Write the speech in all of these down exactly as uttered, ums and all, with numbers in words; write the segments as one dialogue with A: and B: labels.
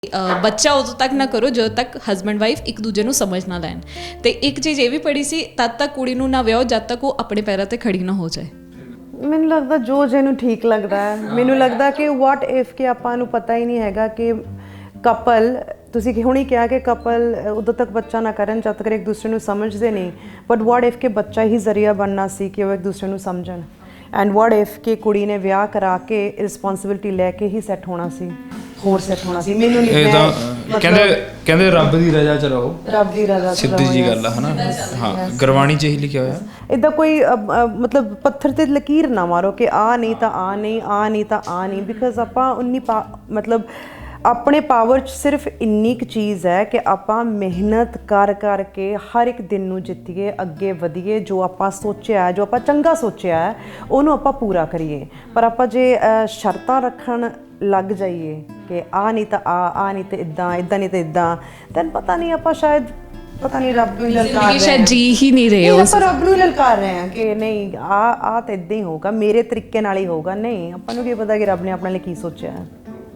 A: ਅ, ਬੱਚਾ ਉਦੋਂ ਤੱਕ ਨਾ ਕਰੋ ਜਦੋਂ ਤੱਕ ਹਸਬੈਂਡ ਵਾਈਫ ਇੱਕ ਦੂਜੇ ਨੂੰ ਸਮਝ ਨਾ ਲੈਣ। ਤੇ ਇੱਕ ਚੀਜ਼ ਇਹ ਵੀ ਪੜ੍ਹੀ ਸੀ, ਤਦ ਤੱਕ ਕੁੜੀ ਨੂੰ ਨਾ ਵਿਆਹੋ ਜਦ ਤੱਕ ਉਹ ਆਪਣੇ ਪੈਰਾਂ ਤੇ ਖੜੀ ਨਾ ਹੋ ਜਾਏ।
B: ਮੈਨੂੰ ਲੱਗਦਾ ਜੋ ਜਿਹਨੂੰ ਠੀਕ ਲੱਗਦਾ ਹੈ। ਮੈਨੂੰ ਲੱਗਦਾ ਕਿ ਵਾਟ ਇਫ ਕਿ ਆਪਾਂ ਨੂੰ ਪਤਾ ਹੀ ਨਹੀਂ ਹੈਗਾ ਕਿ ਕਪਲ, ਤੁਸੀਂ ਕਿ ਹੁਣੀ ਕਿਹਾ ਕਿ ਕਪਲ ਉਦੋਂ ਤੱਕ ਬੱਚਾ ਨਾ ਕਰਨ ਜਦ ਤੱਕ ਇੱਕ ਦੂਸਰੇ ਨੂੰ ਸਮਝਦੇ ਨਹੀਂ, ਬਟ ਵਾਟ ਇਫ ਕਿ ਬੱਚਾ ਹੀ ਜ਼ਰੀਆ ਬਣਨਾ ਸੀ ਕਿ ਉਹ ਇੱਕ ਦੂਸਰੇ ਨੂੰ ਸਮਝਣ। ਐਂਡ ਵਾਟ ਇਫ ਕਿ ਕੁੜੀ ਨੇ ਵਿਆਹ ਕਰਾ ਕੇ ਰਿਸਪੌਂਸਿਬਿਲਿਟੀ ਲੈ ਕੇ ਹੀ ਸੈੱਟ ਹੋਣਾ ਸੀ, ਹੋਰ ਸੈੱਟ ਹੋਣਾ ਸੀ। ਮੈਨੂੰ ਨਹੀਂ
C: ਇਹ ਤਾਂ ਕਹਿੰਦੇ ਕਹਿੰਦੇ ਰੱਬ ਦੀ ਰਜ਼ਾ ਚ ਰਹੋ,
B: ਰੱਬ ਦੀ ਰਜ਼ਾ
C: ਸਿੱਧੀ ਜੀ ਗੱਲ ਆ ਹਨਾ। ਹਾਂ, ਗੁਰਬਾਣੀ ਚ ਇਹੀ ਲਿਖਿਆ ਹੋਇਆ।
B: ਇੱਦਾਂ ਕੋਈ ਅ, ਅ, ਮਤਲਬ ਪੱਥਰ ਤੇ ਲਕੀਰ ਨਾ ਮਾਰੋ ਕਿ ਆ ਨਹੀਂ ਤਾਂ ਆ ਨਹੀਂ, ਆ ਨਹੀਂ ਤਾਂ ਆ ਨਹੀਂ, ਬਿਕਾਜ਼ ਆਪਾਂ ਉਨੀ ਪਾ ਮਤਲਬ ਆਪਣੇ ਪਾਵਰ 'ਚ ਸਿਰਫ ਇੰਨੀ ਕੁ ਚੀਜ਼ ਹੈ ਕਿ ਆਪਾਂ ਮਿਹਨਤ ਕਰ ਕਰਕੇ ਹਰ ਇੱਕ ਦਿਨ ਨੂੰ ਜਿੱਤੀਏ, ਅੱਗੇ ਵਧੀਏ। ਜੋ ਆਪਾਂ ਸੋਚਿਆ, ਜੋ ਆਪਾਂ ਚੰਗਾ ਸੋਚਿਆ ਹੈ, ਉਹਨੂੰ ਆਪਾਂ ਪੂਰਾ ਕਰੀਏ। ਪਰ ਆਪਾਂ ਜੇ ਸ਼ਰਤਾਂ ਰੱਖਣ ਲੱਗ ਜਾਈਏ ਕਿ ਆ ਨਹੀਂ ਤਾਂ ਆ, ਆ ਨਹੀਂ ਤਾਂ ਇੱਦਾਂ, ਇੱਦਾਂ ਨਹੀਂ ਤਾਂ ਇੱਦਾਂ, ਤੈਨੂੰ ਪਤਾ ਨਹੀਂ ਆਪਾਂ ਸ਼ਾਇਦ ਪਤਾ ਨਹੀਂ ਰੱਬ ਨੂੰ ਲਲਕਾਰ ਰਹੇ ਹਾਂ,
A: ਸ਼ਾਇਦ ਜੀ ਹੀ ਨਹੀਂ ਰਹੇ
B: ਉਸ ਰੱਬ ਨੂੰ ਲਲਕਾਰ ਰਹੇ ਹਾਂ ਕਿ ਨਹੀਂ ਆ ਆ ਤਾਂ ਇੱਦਾਂ ਹੀ ਹੋਊਗਾ, ਮੇਰੇ ਤਰੀਕੇ ਨਾਲ ਹੀ ਹੋਊਗਾ। ਨਹੀਂ, ਆਪਾਂ ਨੂੰ ਕੀ ਪਤਾ ਕਿ ਰੱਬ ਨੇ ਆਪਣੇ ਲਈ ਕੀ ਸੋਚਿਆ ਹੈ।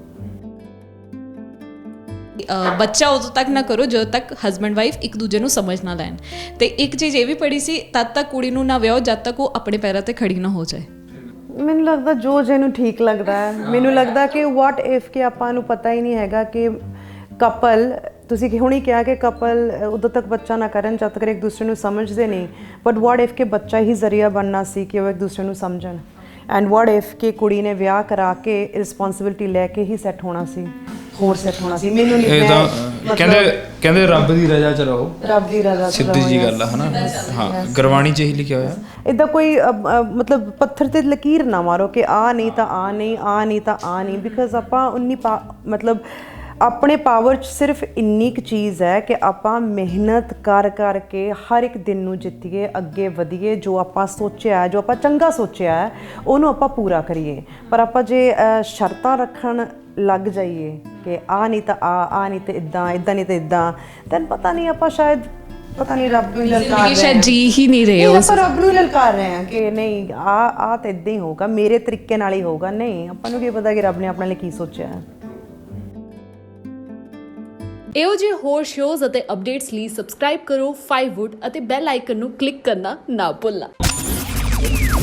A: ਅ, ਬੱਚਾ ਉਦੋਂ ਤੱਕ ਨਾ ਕਰੋ ਜਦੋਂ ਤੱਕ ਹਸਬੈਂਡ ਵਾਈਫ ਇੱਕ ਦੂਜੇ ਨੂੰ ਸਮਝ ਨਾ ਲੈਣ। ਤੇ ਇੱਕ ਚੀਜ਼ ਇਹ ਵੀ ਪੜ੍ਹੀ ਸੀ, ਤਦ ਤੱਕ ਕੁੜੀ ਨੂੰ ਨਾ ਵਿਆਹੋ ਜਦ ਤੱਕ ਉਹ ਆਪਣੇ ਪੈਰਾਂ ਤੇ ਖੜੀ ਨਾ ਹੋ ਜਾਏ।
B: ਮੈਨੂੰ ਲੱਗਦਾ ਜੋ ਜਿਹਨੂੰ ਠੀਕ ਲੱਗਦਾ ਹੈ। ਮੈਨੂੰ ਲੱਗਦਾ ਕਿ ਵਾਟ ਇਫ ਕਿ ਆਪਾਂ ਨੂੰ ਪਤਾ ਹੀ ਨਹੀਂ ਹੈਗਾ ਕਿ ਕਪਲ, ਤੁਸੀਂ ਕਿ ਹੁਣੀ ਕਿਹਾ ਕਿ ਕਪਲ ਉਦੋਂ ਤੱਕ ਬੱਚਾ ਨਾ ਕਰਨ ਜਦ ਤੱਕ ਇੱਕ ਦੂਸਰੇ ਨੂੰ ਸਮਝਦੇ ਨਹੀਂ, ਬਟ ਵਾਟ ਇਫ ਕਿ ਬੱਚਾ ਹੀ ਜ਼ਰੀਆ ਬਣਨਾ ਸੀ ਕਿ ਉਹ ਇੱਕ ਦੂਸਰੇ ਨੂੰ ਸਮਝਣ। ਐਂਡ ਵਾਟ ਇਫ ਕਿ ਕੁੜੀ ਨੇ ਵਿਆਹ ਕਰਾ ਕੇ ਰਿਸਪੌਂਸਿਬਿਲਿਟੀ ਲੈ ਕੇ ਹੀ ਸੈੱਟ ਹੋਣਾ ਸੀ, ਹੋਰ ਸੈੱਟ ਹੋਣਾ ਸੀ। ਮੈਨੂੰ ਨਹੀਂ
C: ਇਹ ਤਾਂ ਕਹਿੰਦੇ ਕਹਿੰਦੇ ਰੱਬ ਦੀ ਰਜ਼ਾ ਚ ਰਹੋ,
B: ਰੱਬ ਦੀ ਰਜ਼ਾ ਚ
C: ਸਿੱਧੀ ਜੀ ਗੱਲ ਆ ਹਨਾ। ਹਾਂ, ਗੁਰਬਾਣੀ ਚ ਇਹੀ ਲਿਖਿਆ ਹੋਇਆ।
B: ਇੱਦਾਂ ਕੋਈ ਅ, ਅ, ਮਤਲਬ ਪੱਥਰ ਤੇ ਲਕੀਰ ਨਾ ਮਾਰੋ ਕਿ ਆ ਨਹੀਂ ਤਾਂ ਆ ਨਹੀਂ, ਆ ਨਹੀਂ ਤਾਂ ਆ ਨਹੀਂ, ਬਿਕਾਜ਼ ਆਪਾਂ ਉਨੀ ਪਾ ਮਤਲਬ ਆਪਣੇ ਪਾਵਰ 'ਚ ਸਿਰਫ ਇੰਨੀ ਕੁ ਚੀਜ਼ ਹੈ ਕਿ ਆਪਾਂ ਮਿਹਨਤ ਕਰ ਕਰਕੇ ਹਰ ਇੱਕ ਦਿਨ ਨੂੰ ਜਿੱਤੀਏ, ਅੱਗੇ ਵਧੀਏ। ਜੋ ਆਪਾਂ ਸੋਚਿਆ, ਜੋ ਆਪਾਂ ਚੰਗਾ ਸੋਚਿਆ ਹੈ, ਉਹਨੂੰ ਆਪਾਂ ਪੂਰਾ ਕਰੀਏ। ਪਰ ਆਪਾਂ ਜੇ ਸ਼ਰਤਾਂ ਰੱਖਣ ਲੱਗ ਜਾਈਏ ਕਿ ਆ ਨਹੀਂ ਤਾਂ ਆ, ਆ ਨਹੀਂ ਤਾਂ ਇੱਦਾਂ, ਇੱਦਾਂ ਨਹੀਂ ਤਾਂ ਇੱਦਾਂ, ਤੈਨੂੰ ਪਤਾ ਨਹੀਂ ਆਪਾਂ ਸ਼ਾਇਦ ਪਤਾ ਨਹੀਂ ਰੱਬ ਨੂੰ ਲਲਕਾਰ ਰਹੇ ਹਾਂ,
A: ਸ਼ਾਇਦ ਜੀ ਹੀ ਨਹੀਂ ਰਹੇ
B: ਉਸ ਰੱਬ ਨੂੰ ਲਲਕਾਰ ਰਹੇ ਹਾਂ ਕਿ ਨਹੀਂ ਆ ਆ ਤਾਂ ਇੱਦਾਂ ਹੀ ਹੋਊਗਾ, ਮੇਰੇ ਤਰੀਕੇ ਨਾਲ ਹੀ ਹੋਊਗਾ। ਨਹੀਂ, ਆਪਾਂ ਨੂੰ ਕੀ ਪਤਾ ਕਿ ਰੱਬ ਨੇ ਆਪਣੇ ਲਈ ਕੀ ਸੋਚਿਆ ਹੈ।
D: ਇਹੋ ਜਿਹੇ ਹੋਰ ਸ਼ੋਜ਼ ਅਤੇ ਅਪਡੇਟਸ ਲਈ ਸਬਸਕ੍ਰਾਈਬ ਕਰੋ ਫਾਈਵ ਵੁੱਡ ਅਤੇ ਬੈਲ ਆਈਕਨ ਨੂੰ ਕਲਿੱਕ ਕਰਨਾ ਨਾ ਭੁੱਲਣਾ।